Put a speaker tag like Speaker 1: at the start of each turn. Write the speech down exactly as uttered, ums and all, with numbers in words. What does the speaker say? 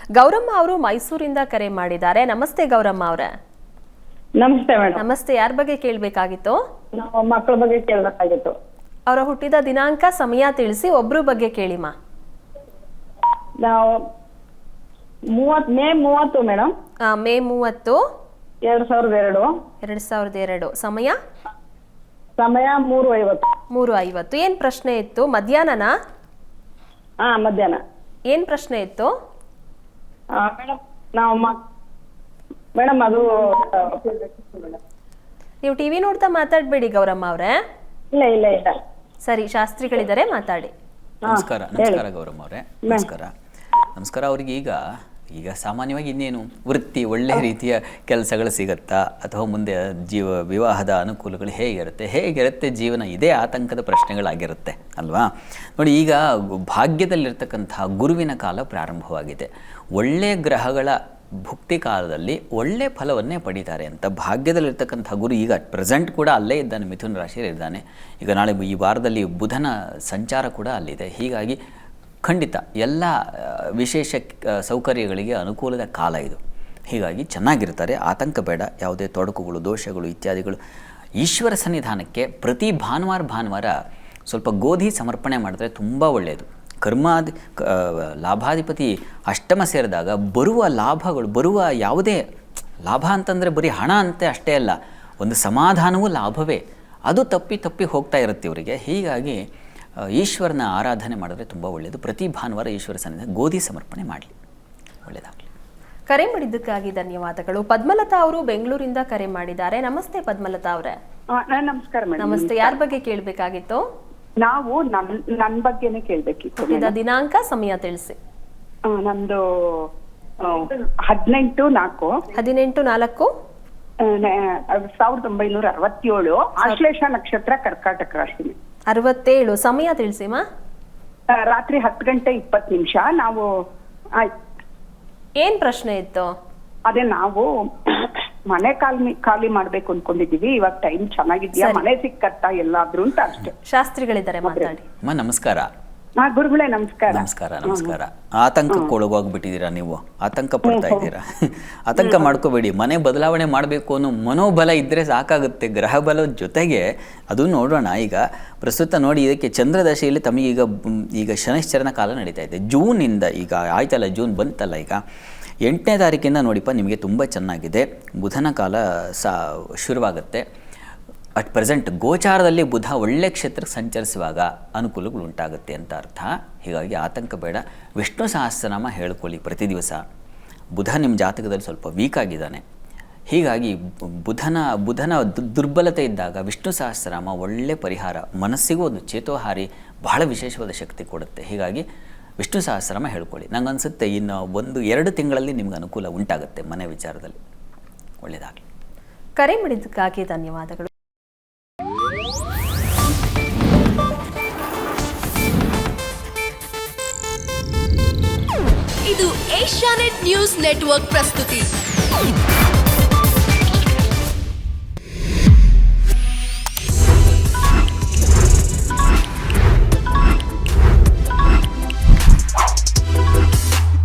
Speaker 1: ಗೌರಮ್ಮ ಅವರು ಮೈಸೂರಿಂದ ಕರೆ ಮಾಡಿದ್ದಾರೆ. ನಮಸ್ತೆ ಗೌರಮ್ಮ ಅವರೇ.
Speaker 2: ನಮಸ್ತೆ ಮೇಡಮ್.
Speaker 1: ನಮಸ್ತೆ. ಯಾರ ಬಗ್ಗೆ ಕೇಳಬೇಕಾಗಿತ್ತು?
Speaker 2: ನಾವು ಮಕ್ಕಳ ಬಗ್ಗೆ ಕೇಳಬೇಕಾಗಿತ್ತು.
Speaker 1: ಅವರ ಹುಟ್ಟಿದ ದಿನಾಂಕ, ಸಮಯ ತಿಳಿಸಿ. ಒಬ್ರು ಬಗ್ಗೆ ಕೇಳಿಮಾ.
Speaker 2: ನಾವು ಮೂವತ್ ಮೇ ಮೂವತ್ತು ಮೇಡಮ್.
Speaker 1: ಮೇ ಮೂವತ್ತು
Speaker 2: ಎರಡ್ ಸಾವಿರದ ಎರಡು
Speaker 1: ಎರಡ್ ಸಾವಿರದ ಎರಡು ಸಮಯ
Speaker 2: ಸಮಯ ಮೂರು ಐವತ್ತು.
Speaker 1: ಮೂರು ಐವತ್ತು. ಏನ್ ಪ್ರಶ್ನೆ ಇತ್ತು? ಮಧ್ಯಾಹ್ನನಾ?
Speaker 2: ಹಾ, ಮಧ್ಯಾಹ್ನ.
Speaker 1: ಏನ್ ಪ್ರಶ್ನೆ ಇತ್ತು
Speaker 2: ಮೇಡಮ್? ನಾವು ಮೇಡಮ್ ಅದು
Speaker 1: ನೀವು ಟಿವಿ ನೋಡ್ತಾ ಮಾತಾಡ್ಬೇಡಿ ಗೌರಮ್ಮ ಅವರೇ.
Speaker 2: ಇಲ್ಲ ಇಲ್ಲ ಇಲ್ಲ
Speaker 1: ಸರಿ, ಶಾಸ್ತ್ರಿಗಳಿದ್ದಾರೆ, ಮಾತಾಡಿ.
Speaker 3: ನಮಸ್ಕಾರ. ನಮಸ್ಕಾರ ಗೌರಮ್ಮ ಅವರೇ. ನಮಸ್ಕಾರ. ನಮಸ್ಕಾರ. ಅವ್ರಿಗೆ ಈಗ ಈಗ ಸಾಮಾನ್ಯವಾಗಿ ಇನ್ನೇನು ವೃತ್ತಿ, ಒಳ್ಳೆ ರೀತಿಯ ಕೆಲಸಗಳು ಸಿಗುತ್ತಾ, ಅಥವಾ ಮುಂದೆ ಜೀವ ವಿವಾಹದ ಅನುಕೂಲಗಳು ಹೇಗಿರುತ್ತೆ, ಹೇಗಿರುತ್ತೆ ಜೀವನ, ಇದೇ ಆತಂಕದ ಪ್ರಶ್ನೆಗಳಾಗಿರುತ್ತೆ ಅಲ್ವಾ? ನೋಡಿ, ಈಗ ಭಾಗ್ಯದಲ್ಲಿರ್ತಕ್ಕಂತಹ ಗುರುವಿನ ಕಾಲ ಪ್ರಾರಂಭವಾಗಿದೆ. ಒಳ್ಳೆಯ ಗ್ರಹಗಳ ಭುಕ್ತಿ ಕಾಲದಲ್ಲಿ ಒಳ್ಳೆ ಫಲವನ್ನೇ ಪಡೀತಾರೆ ಅಂತ ಭಾಗ್ಯದಲ್ಲಿರ್ತಕ್ಕಂಥ ಗುರು ಈಗ ಪ್ರೆಸೆಂಟ್ ಕೂಡ ಅಲ್ಲೇ ಇದ್ದಾನೆ, ಮಿಥುನ ರಾಶಿಯಲ್ಲಿ ಇದ್ದಾನೆ. ಈಗ ನಾಳೆ ಈ ವಾರದಲ್ಲಿ ಬುಧನ ಸಂಚಾರ ಕೂಡ ಅಲ್ಲಿದೆ. ಹೀಗಾಗಿ ಖಂಡಿತ ಎಲ್ಲ ವಿಶೇಷ ಸೌಕರ್ಯಗಳಿಗೆ ಅನುಕೂಲದ ಕಾಲ ಇದು. ಹೀಗಾಗಿ ಚೆನ್ನಾಗಿರ್ತಾರೆ, ಆತಂಕ ಬೇಡ. ಯಾವುದೇ ತೊಡಕುಗಳು, ದೋಷಗಳು ಇತ್ಯಾದಿಗಳು. ಈಶ್ವರ ಸನ್ನಿಧಾನಕ್ಕೆ ಪ್ರತಿ ಭಾನುವಾರ ಭಾನುವಾರ ಸ್ವಲ್ಪ ಗೋಧಿ ಸಮರ್ಪಣೆ ಮಾಡಿದ್ರೆ ತುಂಬ ಒಳ್ಳೆಯದು. ಕರ್ಮಾಧಿ ಲಾಭಾಧಿಪತಿ ಅಷ್ಟಮ ಸೇರಿದಾಗ ಬರುವ ಲಾಭಗಳು, ಬರುವ ಯಾವುದೇ ಲಾಭ ಅಂತಂದರೆ ಬರೀ ಹಣ ಅಂತೆ ಅಷ್ಟೇ ಅಲ್ಲ, ಒಂದು ಸಮಾಧಾನವೂ ಲಾಭವೇ. ಅದು ತಪ್ಪಿ ತಪ್ಪಿ ಹೋಗ್ತಾ ಇರುತ್ತೆ ಇವರಿಗೆ. ಹೀಗಾಗಿ ಈಶ್ವರನ ಆರಾಧನೆ ಮಾಡಿದ್ರೆ ತುಂಬ ಒಳ್ಳೆಯದು. ಪ್ರತಿ ಭಾನುವಾರ ಈಶ್ವರ ಸನ್ನಿಧಾನ ಗೋಧಿ ಸಮರ್ಪಣೆ ಮಾಡಲಿ, ಒಳ್ಳೆಯದಾಗಲಿ.
Speaker 1: ಕರೆ ಮಾಡಿದ್ದಕ್ಕಾಗಿ ಧನ್ಯವಾದಗಳು. ಪದ್ಮಲತಾ ಅವರು ಬೆಂಗಳೂರಿಂದ ಕರೆ ಮಾಡಿದ್ದಾರೆ. ನಮಸ್ತೆ ಪದ್ಮಲತಾ ಅವರೇ.
Speaker 4: ನಮಸ್ಕಾರ ಮೇಡಮ್.
Speaker 1: ನಮಸ್ತೆ. ಯಾರ ಬಗ್ಗೆ ಕೇಳಬೇಕಾಗಿತ್ತು?
Speaker 4: ನಾವು ನನ್ ನನ್ ಬಗ್ಗೆನೇ ಕೇಳ್ಬೇಕಿತ್ತು.
Speaker 1: ದಿನಾಂಕ, ಸಮಯ ತಿಳಿಸಿ.
Speaker 4: ನಮ್ದು ಹದಿನೆಂಟು ನಾಲ್ಕು
Speaker 1: ಹದಿನೆಂಟು ನಾಲ್ಕು
Speaker 4: ಸಾವಿರದ ಒಂಬೈನೂರ ಅರವತ್ತೇಳು ಆಶ್ಲೇಷ ನಕ್ಷತ್ರ, ಕರ್ಕಾಟಕ ರಾಶಿ.
Speaker 1: ಅರವತ್ತೇಳು. ಸಮಯ ತಿಳಿಸಿಮ.
Speaker 4: ರಾತ್ರಿ ಹತ್ತು ಗಂಟೆ ಇಪ್ಪತ್ತು ನಿಮಿಷ. ನಾವು
Speaker 1: ಏನ್ ಪ್ರಶ್ನೆ ಇತ್ತು?
Speaker 4: ಅದೇ ನಾವು ಮನೆ ಖಾಲಿ ಖಾಲಿ ಮಾಡ್ಬೇಕು ಅನ್ಕೊಂಡಿದೀವಿ. ಇವಾಗ ಟೈಮ್ ಚೆನ್ನಾಗಿದ್ಯಾ, ಮನೆ ಸಿಕ್ಕತ್ತಾ ಎಲ್ಲಾದ್ರೂ ಅಂತ ಅಷ್ಟೇ.
Speaker 1: ಶಾಸ್ತ್ರಿಗಳಿದ್ದಾರೆ, ಮಾತಾಡಿ.
Speaker 3: ಅಮ್ಮ ನಮಸ್ಕಾರ.
Speaker 4: ಹಾ ಗುರುಗಳೇ ನಮಸ್ಕಾರ.
Speaker 3: ನಮಸ್ಕಾರ. ನಮಸ್ಕಾರ. ಆತಂಕಕ್ಕೆ ಒಳಗೋಗ್ಬಿಟ್ಟಿದ್ದೀರಾ ನೀವು, ಆತಂಕ ಪಡ್ತಾ ಇದ್ದೀರಾ. ಆತಂಕ ಮಾಡ್ಕೋಬೇಡಿ. ಮನೆ ಬದಲಾವಣೆ ಮಾಡಬೇಕು ಅನ್ನೋ ಮನೋಬಲ ಇದ್ದರೆ ಸಾಕಾಗುತ್ತೆ. ಗ್ರಹ ಬಲ ಜೊತೆಗೆ ಅದು ನೋಡೋಣ. ಈಗ ಪ್ರಸ್ತುತ ನೋಡಿ, ಇದಕ್ಕೆ ಚಂದ್ರದಶೆಯಲ್ಲಿ ತಮಗೀಗ ಈಗ ಶನೈಶ್ಚರನ ಕಾಲ ನಡೀತಾ ಇದೆ. ಜೂನಿಂದ ಈಗ ಆಯ್ತಲ್ಲ, ಜೂನ್ ಬಂತಲ್ಲ, ಈಗ ಎಂಟನೇ ತಾರೀಕಿಂದ ನೋಡಿಪ್ಪ ನಿಮಗೆ ತುಂಬ ಚೆನ್ನಾಗಿದೆ. ಬುಧನ ಕಾಲ ಸಾ ಶುರುವಾಗುತ್ತೆ. ಅಟ್ ಪ್ರೆಸೆಂಟ್ ಗೋಚಾರದಲ್ಲಿ ಬುಧ ಒಳ್ಳೆ ಕ್ಷೇತ್ರಕ್ಕೆ ಸಂಚರಿಸುವಾಗ ಅನುಕೂಲಗಳು ಉಂಟಾಗುತ್ತೆ ಅಂತ ಅರ್ಥ. ಹೀಗಾಗಿ ಆತಂಕ ಬೇಡ. ವಿಷ್ಣು ಸಹಸ್ರನಾಮ ಹೇಳ್ಕೊಳ್ಳಿ ಪ್ರತಿ ದಿವಸ. ಬುಧ ನಿಮ್ಮ ಜಾತಕದಲ್ಲಿ ಸ್ವಲ್ಪ ವೀಕ್ ಆಗಿದ್ದಾನೆ. ಹೀಗಾಗಿ ಬುಧನ ಬುಧನ ದುರ್ಬಲತೆ ಇದ್ದಾಗ ವಿಷ್ಣು ಸಹಸ್ರನಾಮ ಒಳ್ಳೆ ಪರಿಹಾರ, ಮನಸ್ಸಿಗೂ ಒಂದು ಚೇತೋಹಾರಿ, ಬಹಳ ವಿಶೇಷವಾದ ಶಕ್ತಿ ಕೊಡುತ್ತೆ. ಹೀಗಾಗಿ ವಿಷ್ಣು ಸಹಸ್ರನಾಮ ಹೇಳ್ಕೊಳ್ಳಿ. ನಂಗೆ ಅನಿಸುತ್ತೆ ಇನ್ನು ಒಂದು ಎರಡು ತಿಂಗಳಲ್ಲಿ ನಿಮ್ಗೆ ಅನುಕೂಲ ಉಂಟಾಗುತ್ತೆ ಮನೆ ವಿಚಾರದಲ್ಲಿ. ಒಳ್ಳೆಯದಾಗಲಿ.
Speaker 1: ಕರೆ ಮಾಡಿದ್ದಕ್ಕಾಗಿ ಧನ್ಯವಾದಗಳು.
Speaker 5: ಇದು ಏಷ್ಯಾನೆಟ್ ನ್ಯೂಸ್ ನೆಟ್ವರ್ಕ್ ಪ್ರಸ್ತುತಿ.